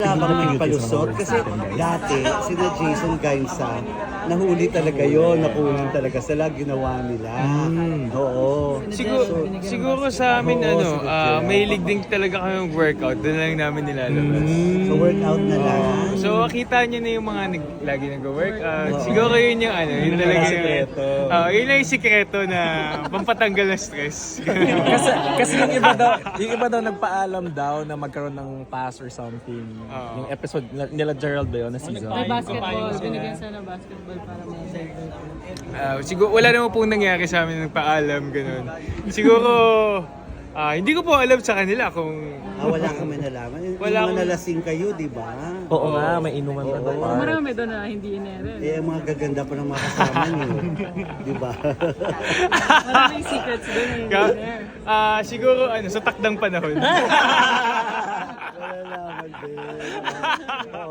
Wala bang may palusot? Kasi dati, sina Jason Gainsa, nahuli talaga yon, nakunan talaga sila, ginawa nila. Oo. Siguro sa amin, mahilig din talaga kami workout. Doon lang namin nilalabas. So workout na lang. So, kita nyo na yung mga lagi nag-workout. Siguro yun yung yun talaga sikreto. Yun lang yung sikreto na pampatanggal ng stress. Kasi yung iba daw nagpaalam daw na magkaroon ng pass or something. Yung episode nila Gerald ba yun na season? May basketball, binigyan siya ng basketball para may Siguro, wala naman pong nangyari sa amin ng paalam, ganun. Siguro, hindi ko po alam sa kanila kung... Wala kami nalaman. Wala Yung akong- nalasing kayo, di ba? Oo nga, may inuman na daw. Marami doon na hindi inere. Ang mga gaganda pa ng mga kasama niyo. Di ba? Maraming secrets doon na hindi inere. Siguro, sa takdang panahon. Wala naman din.